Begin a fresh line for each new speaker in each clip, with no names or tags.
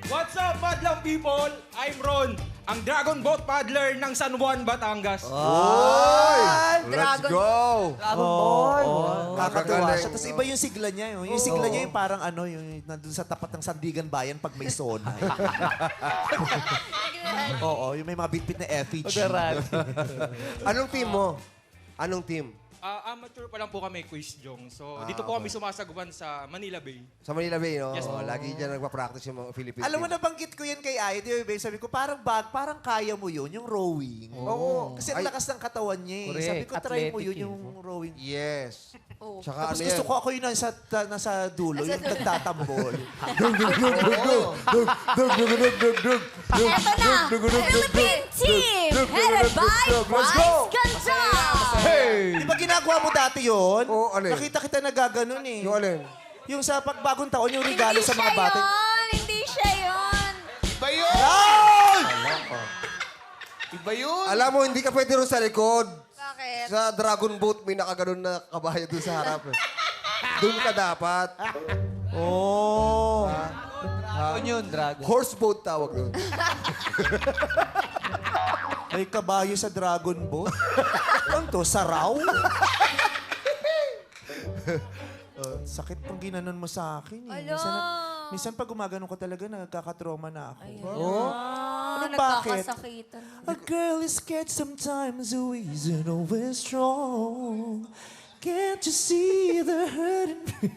What's up, madlang people? I'm Ron, ang Dragon Boat Paddler ng San Juan, Batangas.
Let's
Dragon.
go!
Dragon Ball.
Nakakatuwa
Magagaling.
siya. Tapos iba yung sigla niya. Yung sigla niya yung parang ano, yung nandun sa tapat ng Sandigan Bayan pag may zona. Oo, yung may mga bitbit na effigy.
Anong team mo? Anong team?
Amateur pa lang po kami, Quiz Jong. So, dito po kami sumasagwan sa Manila Bay.
Sa Manila Bay, no?
Yes, po.
Lagi dyan nagpa-practice yung mga Philippine
Alam mo,
team.
nabanggit ko yan kay Aya, di ba, babe? Sabi ko, parang kaya mo yun, yung rowing.
Oo.
Kasi ang lakas ng katawan niya eh.
Correct.
Sabi ko, try mo
Athletic
yun,
eh.
yung rowing.
Yes.
Oh.
Tsaka
Tapos
ano
gusto
yan?
ko ako yung nasa dulo, yung nagtatambol.
Eto na, Philippine team, headed by Bryce Ganda.
Hey!
Di ba ginagawa mo dati yun?
Oo, ano yun?
Nakita kita na gaganon eh.
Yung alin?
Yung sa pagbagong taon, yung regalo sa mga bata.
Hindi siya yun.
Iba yun!
Iba yun.
Alam mo, hindi ka pwede rin sa likod.
Bakit?
Sa Dragon Boat, may nakaganon na kabayo doon sa harap. Doon ka dapat.
Oh.
Dragon yun, Dragon.
Horse boat tawag doon.
May kabayo sa Dragon Boat. Ano to? Saraw? Sakit pong ginanon mo sa akin eh. Minsan pag gumaganon ko talaga, nagkakatrauma na ako. Ano, bakit?
Nagkakasakitan.
A girl is scared sometimes, who isn't always strong. Can't you see the hurt in me?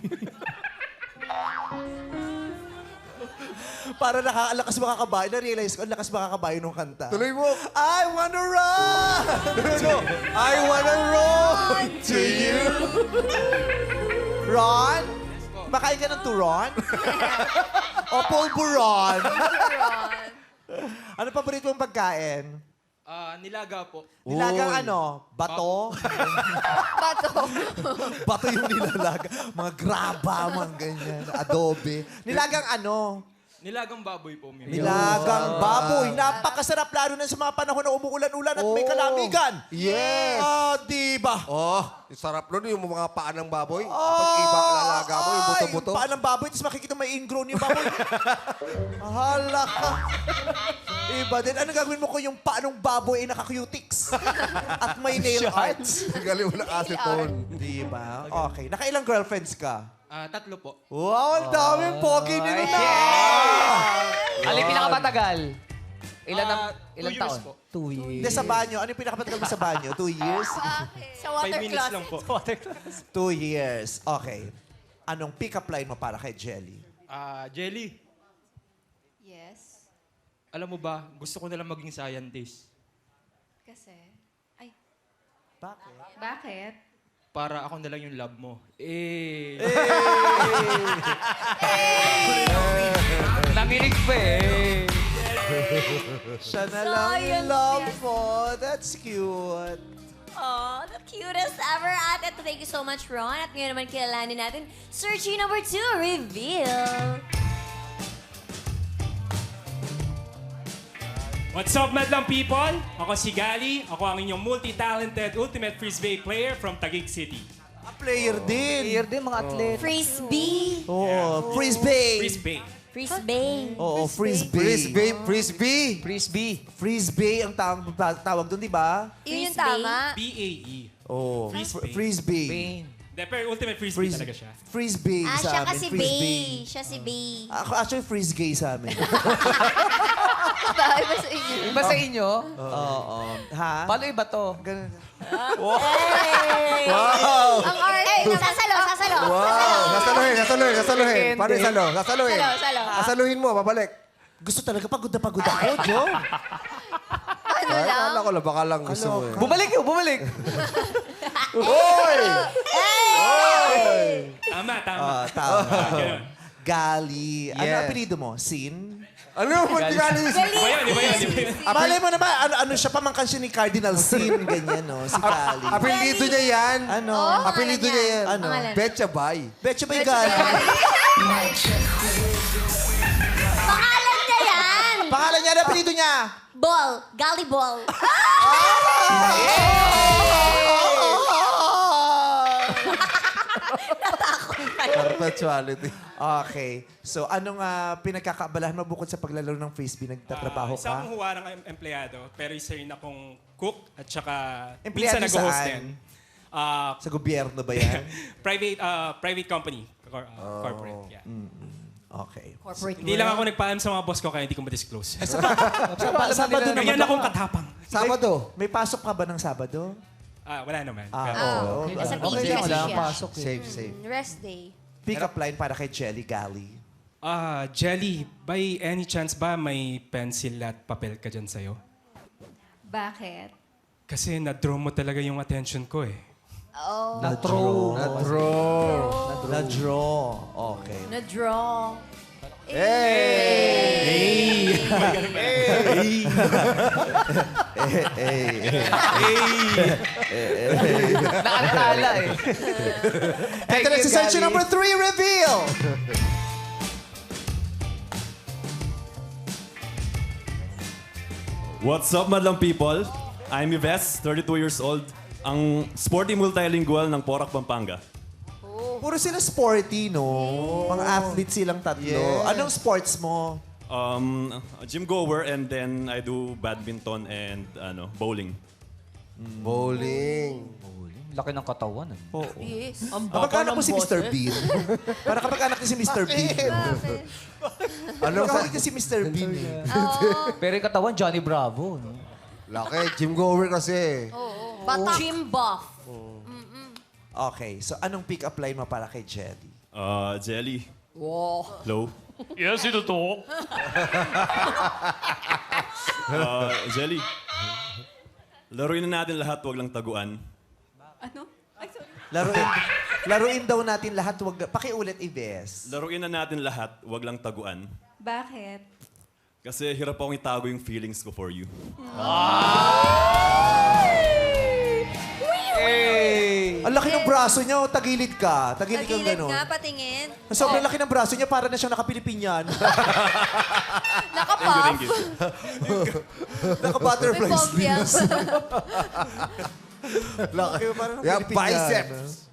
Para nakakalakas makakabayo. Na-realize ko, ang lakas makakabayo nung kanta.
Tuloy mo.
I wanna run! No. I wanna run to you. Ron? Makain ka ng turon? O pulburon? Ano paborito mong pagkain?
Nilaga po.
Nilagang ano? Bato?
Bato.
Bato yung nilalaga. Mga graba, mga ganyan. Adobe. Nilagang ano?
Nilagang baboy po.
Nilagang baboy. Napakasarap lalo na sa mga panahon na umuulan-ulan at may kalamigan.
Yes!
Diba?
Oh, yung sarap nun, yung mga paa ng baboy. Kapag iba ang lalaga mo, yung buto-buto.
Paa ng baboy, tapos makikita may ingrown yung baboy. Hala ka. Iba din. Ano gagawin mo kung yung paa ng baboy ay naka-cutics? At may nail arts?
Galing mo ng aceton.
Diba? Okay. Nakailang girlfriends ka?
3 po.
Wow, ang daming pogi nila na!
Alin pinakamatagal? Ilan
2 years
taon?
po.
2 years.
Hindi, sa banyo. Ano yung pinakapatagal mo sa banyo? 2 years?
Sa
5
water
minutes
closet.
lang po.
2 years. Okay. Anong pick-up line mo para kay Jelly?
Jelly,
Yes.
alam mo ba, gusto ko nalang maging scientist.
Kasi, ay,
Bakit?
bakit?
Para ako na lang yung love mo.
Nanginig pa eh.
Siya na lang yung
Science,
love
yes.
mo. That's cute.
Oh, the cutest ever. At ito, thank you so much, Ron. At ngayon naman kilalanin natin, Searching number 2, reveal.
What's up, madlang people? Ako si Gali. Ako ang inyong multi-talented ultimate frisbee player from Taguig City.
A player din.
Player din, mga atlet.
Frisbee.
Oo, frisbee.
Frisbee.
Frisbee.
Oo, frisbee.
Frisbee, frisbee.
Frisbee.
Frisbee ang tawag doon, di ba?
Yun yung tama.
B-A-E.
Oo.
Frisbee.
Frisbee.
Pain.
De, pero ultimate frisbee talaga siya.
Frisbee
Ah,
sa
siya
amin.
kasi
Frisbee.
Bay. Siya si Bay.
Ako, actually, frisgay sa amin.
Iba sa inyo.
Iba sa inyo?
Oo. Ha?
Paano iba to?
Ganun.
Wow! Ang arte. Sasalo.
Wow! Nasaluhin. Paano
Depende.
isalo? Nasaluhin.
Salo.
Nasaluhin mo, babalik.
Gusto talaga pagod na pagod ako, Jo.
Ano
Ay,
lang?
akala ko lang, baka lang gusto mo eh.
Bumalik yun, bumalik.
Hoy!
Tama.
Tama.
Ganun.
Gali. Ano
Yes.
apelido mo? Sin?
Ano yung multi-galis?
Iba yun, iba yun.
Malay mo naman, ano siya, pamangkan siya ni Cardinal Sin, ganyan, no? Si Gali.
Apelido niya yan.
Ano?
Apelido niya yan.
Ano?
Pangalan.
Betcha Bay.
Betcha ba yung Gali?
Pangalan niya yan.
Pangalan niya, ano apelido niya?
Ball. Gully ball. Natakot pa
Perpetuality.
Okay. So, anong pinagkakaabalahan mo bukod sa paglalaro ng frisbee? Nagtatrabaho
Isa
ka?
akong huwa ng empleyado, pero isa rin akong cook at saka
Empleyado
minsan nag-host
saan?
din.
Sa gobyerno ba yan?
Private company. Corporate, yeah.
Okay.
Corporate
Hindi lang ako nagpaalam sa mga boss ko kaya hindi ko ma-disclose.
Sabado naman.
Ganyan akong katapang.
Sabado.
May pasok ka ba ng Sabado?
Wala naman.
Oo.
Nasa
Okay
PG
lang,
kasi
wala
siya.
kang pasok eh.
Safe, safe.
Rest day.
Pick-up line para kay Jelly Galley.
Jelly, by any chance ba may pencil at papel ka dyan sa'yo?
Bakit?
Kasi na-draw mo talaga yung attention ko eh.
Oh,
Na-throw.
Na-draw. Okay.
na-draw.
Nakatala eh.
Ito na si search number 3, reveal!
What's up, madlang people? I'm Yves, 32 years old, ang sporty multilingual ng Porac, Pampanga.
Puro sila sporty, no? Mga athletes silang tatlo.
Yeah.
Anong sports mo?
Gym goer and then I do badminton and bowling.
Bowling.
Laki ng katawan.
Yes.
Kamag-anak mo si Mr. Bean. Para kamag-anak niya si Mr. Bean.
Bakit?
Kamag-anak niya si Mr. Bean. eh.
Pero yung katawan, Johnny Bravo. No?
Laki, gym goer kasi.
Batak. Gym buff.
Okay, so anong pick-up line mo para kay Jelly?
Jelly.
Wow.
Hello.
Yes, ito to.
Jelly. Laruin na natin lahat, wag lang taguan.
Ano? Ay, sorry.
Laruin daw natin lahat. Wag, pakiulit, Ives.
Laruin na natin lahat, wag lang taguan.
Bakit?
Kasi hirap akong itago yung feelings ko for you.
Ang laki ng braso niya. Oh, tagilid ka. Tagilid kang
Tagilid
gano'n.
nga, patingin.
Sobrang laki ng braso niya. Para na siyang nakapilipinyan.
Nakapuff.
Thank you.
May
Naka-butterfly
phobia.
sleeves. Laki. Parang
Yeah,
Pilipinyan.
biceps.